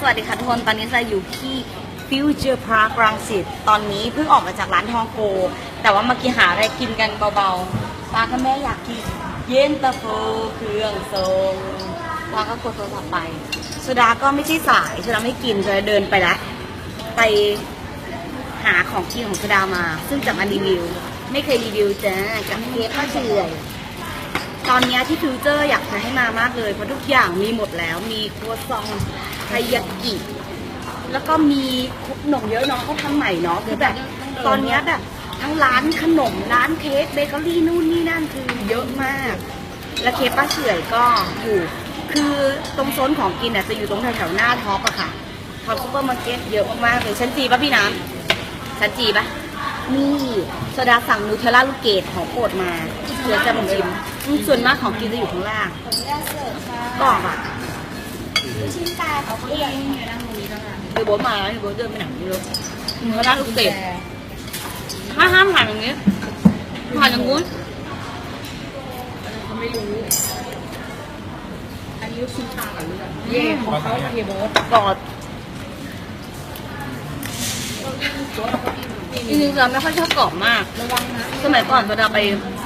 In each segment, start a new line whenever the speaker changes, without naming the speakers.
สวัสดีค่ะทุกคน ตอนนี้จะอยู่ที่ Future Park รังสิตตอนนี้เพิ่งออกมาจากร้านทองโกแต่ว่าเมื่อกี้หาอะไรกินกันเบาๆป้ากับแม่อยากกินเย็นตาโฟเครื่องทรงป้าก็กดโทรศัพท์ไปสุดาก็ไม่ใช่สายสุดาไม่กินสุดาเดินไปแล้วไปหาของกินของสุดามาซึ่งจะมารีวิวไม่เคยรีวิวจ้ากับเค้กข้าวเฉื่อยตอนนี้ที่ฟิวเจอร์อยากจะให้มามากเลยเพราะทุกอย่างมีหมดแล้วมีครัวซองไทยากิแล้วก็มีขนมเยอะเนาะเขาทำใหม่เนาะคือแบบตอนนี้แบบทั้งร้านขนมร้านเค้กเบเกอรี่นู่นนี่นั่นคือเยอะมากและเค้กป้าเฉื่อยก็อยู่คือตรงโซนของกินจะอยู่ตรงแถวๆหน้าท็อปอะค่ะท็อปซุปเปอร์มาร์เก็ตเยอะมากๆเลยชั้นจีป่ะพี่น้ำชั้นจีป่ะนี่โซดาสั่งนูเทลล่าลูกเกดของโปรดมาเดี๋ยวจะมาชิมส่วนมากของกินจะอยู่ข้างล่างกรอบอะชิ้นตาเขาเองเดี๋ยวโบ๊ทมาแล้วเดี๋ยวโบ๊ทเดินไปไหนไม่รู้นูเทลล่าลูกเกดห้ามผ่านอย่างนี้ผ่านอย่างงู้น
เขาไม่รู้อันนี้ชิ้นตากับเลือดเย่ของเขาเยโบ๊ท
กรอบจริงๆเราไม่ค่อยชอบกรอบมากสมัยก่อนเราไป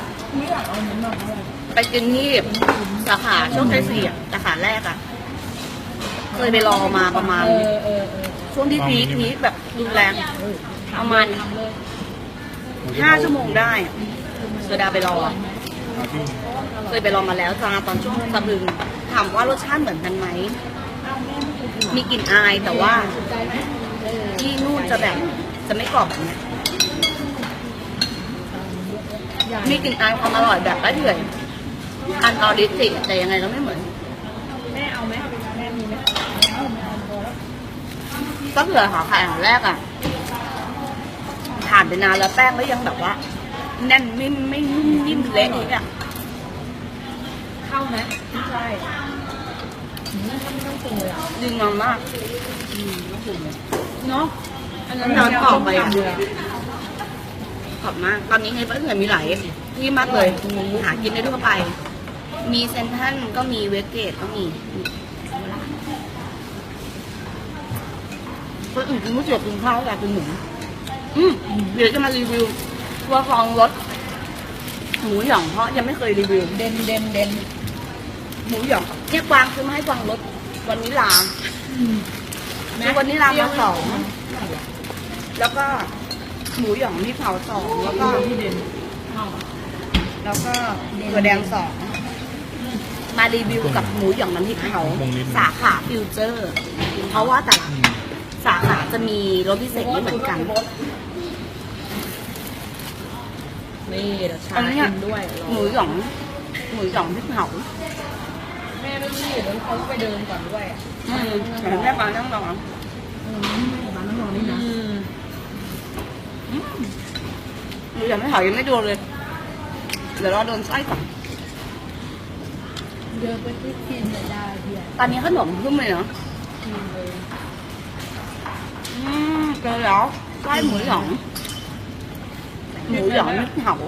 กินที่สาขาโชคชัย4สาขาแรกอะเคยไปรอมาประมาณช่วงที่พีคแบบรุนแรงประมาณ5 ชั่วโมงได้เสดาไปรอเคยไปรอมาแล้วจ้าตอนช่วงสะพึงถามว่ารสชาติเหมือนกันไหมมีกลิ่นอายแต่ว่าที่นู่นจะแบบจะไม่กรอบแบบนี้มีกลิ่นอายความอร่อยแบบละเอียดอันออริจิแต่ยังไงก็ไม่เหมือน
แม่เอาไหมแม่มีไหม
ก็เผื่อหาไข่อันแรกอ่ะผ่านไปนานแล้วแป้งก็ยังแบบว่าแน่นไม่นิ่มเละอีกอ่ะ
เข้าไหมไม่ใช่ไม่ต้องปรุงเลยอ่ะ
ดีงามมาก
ต้องปรุงเลยเนาะอันนั้น
น้ำกรอบไปอ่ะขอบมากตอนนี้ในประเทศไทยมีหลายที่มากเลยหากินได้ทั่วไปมีเซนทรัลก็มีเวสเกตก็มีคนอื่นกินก๋วยเตี๋ยวกินข้าวแต่กินหมูเดี๋ยวจะมารีวิวตัวฟองรสหมูหย่องเพราะยังไม่เคยรีวิว
เด่น
หมูหย่องเนี่ยกวางคือมาให้กวางรสวันนี้ลาคือวันนี้ลามา2แล้วก็หมูหย่องที่เผา2แล้วก็
ที่เด่น
แล้วก็ตัวแดง2มารีวิวกับหมูหย่องน้ำพริกเผาสาขาฟิวเจอร์เพราะว่าแต่ละสาขาจะมีรสพิเศษไม่เหมือนกัน
นี่เดี๋ยวชากินด้วย
หมูหย่องพริกเผา
แม่ไม่รีบแล้วเขาไปเดินก่อนด้วย
แม่ปลานั่งรอ
ร้านน้ำร้อนนี่นะ
หมูหย่องพริกเผายังไม่โดนเลยเดี๋ยวรอโดนไส้ก่อน
เดินไปที่กินเลยได้เพี่
ตอนนี้ขนมขึ้นเลยเนาะเจอแล้วไส้หมูหย่องพริกเผา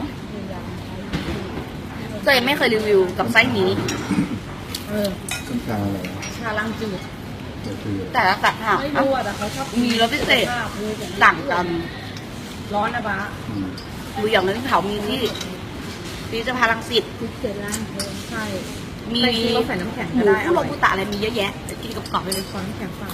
ตัวเองไม่เคยรีวิวกับไส้นี้
ชาอะไร
ชาลังจืด
แต่ละสาขา
ไม่รู้แต่เขาชอบ
มีรสพิเศษต่างกัน
ร้อนนะบ้า
หมูหย่องน้ำพริกเผามีที่ฟิวเจอร์พาร์ครังสิต
พิเศษล่างใช่
มี
ใส่น้ำแข็ง
หมูคุโรบุตะอะไรมีเยอะแยะจะกินกับกรอบไปเลย
ขอน้ำแข็งเปล่า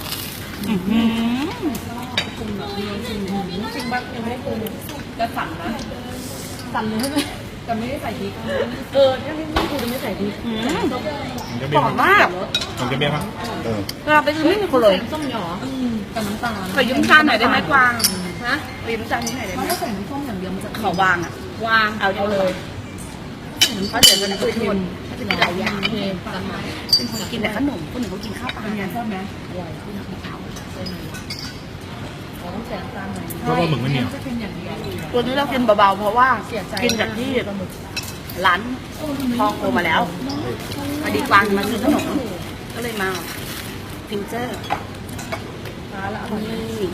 ปรุงแบบนี้จริงบ้างยังไม่ได้ปรุงจะสั่นนะสั่นเลยใช่ไหมแต่ไม่ได้ใส่พริกถ้าไม่ปรุงจะไม่ใส่พริก
กรอบมาก
มันจะเบี้ยป่ะ
เราไปซื้อไม่มีคนเลย
ส้มหยอกับน้ำตาล
ขอยืมจานหน่อยได้ไหมกวางฮะยืมจานนี้หน่อยได้ไหม
เขาใส่น้ำส้มอย่างเดียวมันจะ
ขอวางอ่ะ
วาง
เอาเลยเพราะเดี๋ยวมันจะมีหลายอย่างเป็นคนกินแต่ขนมคนหนึ่งเขากินข้าวปลา
เนี่ยชอบไหมอร่อยที่น้ำพริกเผาต้องใส่น้ำตาลหน่อย
เพราะว่าหมึกไม่เหนียว
ตัวนี้เรากินเบาๆเพราะว่ากินจากที่ร้านทองโอมาแล้วพอดีกวางมาซื้อขนมก็เลยมาฟิวเจอร์นี่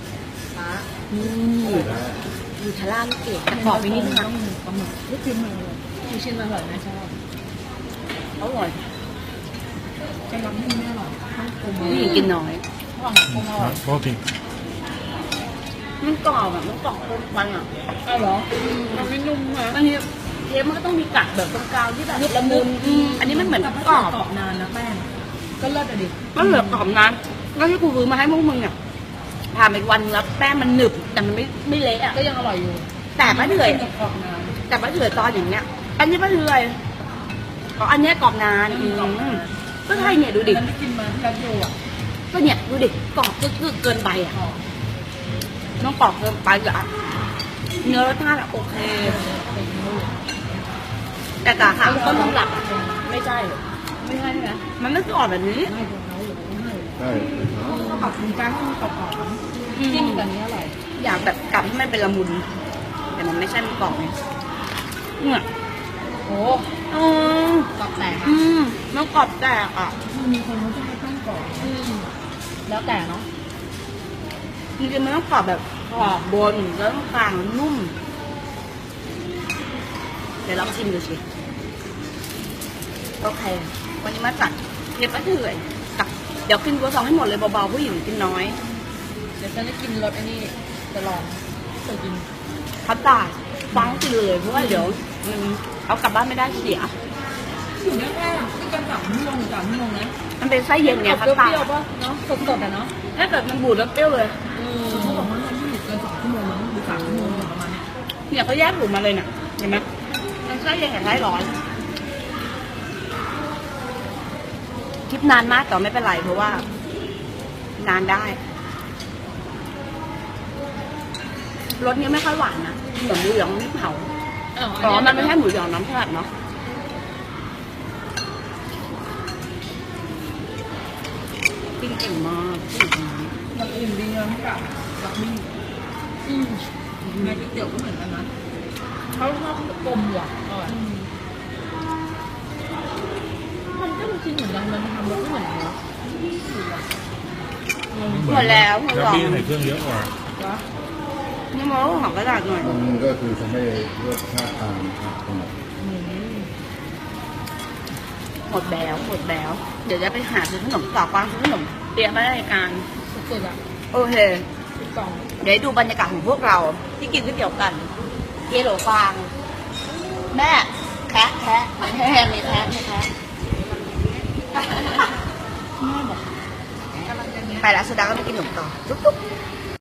ยูทาร่าลูกเกดขอไปนิดนึงนะ
ปลาหมึกลูกชิ้นมาเลยลูกชิ้นมาอร่อยไหมชอบ
อร่อย
จะรับให้แม่อร่อย
นี่กินน้อย
ของคงอร่อย
โทษที
มันกรอบแบบมันกรอบเกินไปอ่ะ
อ้าวเหรอมันไม่นุ่มนะ
บางทีเทปมันก็ต้องมีกัดแบบตรงกลางที่แบบละมุนอันนี้มันเหมือน
แต่ถ้าก
รอบ
กรอบนานนะแป้งก็เลิศอะดิ
ก็เหลือกรอบนะแล้วที่กูซื้อมาให้พวกมึงเนี่ยผ่านไปวันแล้วแป้งมันหนึบแต่มันไม่เละอ่ะ
ก็ยังอร่อยอยู่
แต่ป้าเถื่อย
กรอบนาน
แต่ป้าเถื่อยตอนอย่างเนี้ย อันนี้ป้าเถื่อยอ๋ออันเนี้ยกรอบนานก็ใช่เนี่ยดูดิ
มันไม่กินมาที่ร้านโยอ่ะ
ก็เนี่ยดูดิกรอบก็เกินไปอ่ะ
กรอบ
น้องกรอบเกินไปอ่ะเนื้อรสชาติอะโอเค แต่กะค่ะต้นตำรับอะไม่ใช่
ไม่ใช่ใช่ไหม
มันไม่คือกรอบแบบนี้
ไม่ของเขาหรือไม่ให้
ใช่
ก็ปรับปรุงแป้งให้มันกรอบๆจิ้มกับนี้อร่อย
อยากแบบกลับให้มันเป็นละมุน แต่มันไม่ใช่มันกรอบไงเนี่ย
โอ้
อืม
กรอบแตก
อืมมันกรอบแตกอ่ะ
มีคนเขาจะให้แป้งกรอบแล้วแต่เนาะ
จริงๆมันต้องกรอบแบบกรอบบนแล้วกลางนุ่ม เดี๋ยวลองชิมดูสิโอเค วันนี้มาจัดเรียบร้อยเถื่อยกับเดี๋ยวกินกัวซองให้หมดเลยเบาๆผู้หญิงกินน้อย
เดี๋ยวฉันจะกินรสอันนี้จะลองเคยกิน
พัดตายฟังกินเลยเพราะว่าเดี๋ยวมันเอากลับบ้านไม่ได้เสีย
อยู่ได้แค่ไม่เกิน3 ชั่วโมงนะ
มันเป็นไส้เย็นไง
เป
พัดตาย
รี้ยวๆป่ะเนาะสดๆอ่ะเนาะ
ถ้าเกิดมันบูดแล้วเปรี้ยวเลย
เขาบอกว่ามันไม่อยู่เกิน2 ชั่วโมงมั้งหรือ3 ชั่วโมงประมาณเนี้ย
เนี่ยเขาแยกบูดมาเลยน่ะเห็นไหมมันไส้เย็นกับไส้ร้อนคลิปนานมากแต่ไม่เป็นไรเพราะว่า นานได้รสเนี้ยไม่ค่อยหวานนะเหมือนหมูหยองไม่เผาอ๋อมันไม่ใช่หมูหยองน้ำสลัดเนาะกินเก่งมากกินเก่งมาก
มันอื่นดีนะกับกับนี่ในก๋วยเตี๋ยวก็เหมือนกันนะเขาชอบกลมว่ะอร่อยมันก็เป็นชิ้นเหมือนกันมันทำรสไม่เหมือนกัน
หมดแล้วคุณ
แล้ว
ลอง
พี่ใส่เครื่องเยอะกว่า
นี่มองของกระดาษหน่อย
มันก็คือทำให้รสชาติตามขนาด
หมดแล้วหมดแล้ว เดี๋ยวจะไปหาซื้อขนมต่อฟังซื้อขนมเตรียมไว้ในรายการ
สุดๆอ่ะ
โอเค
กล่อง
เดี๋ยวให้ดูบรรยากาศของพวกเราที่กินก๋วยเตี๋ยวกันเยโหลฟาง แม่แคะแคะไม่แห้ไม่แคะไม่แคะแม่บอกไปแล้วสุดาก็ไปกินขนมต่อจุ๊บ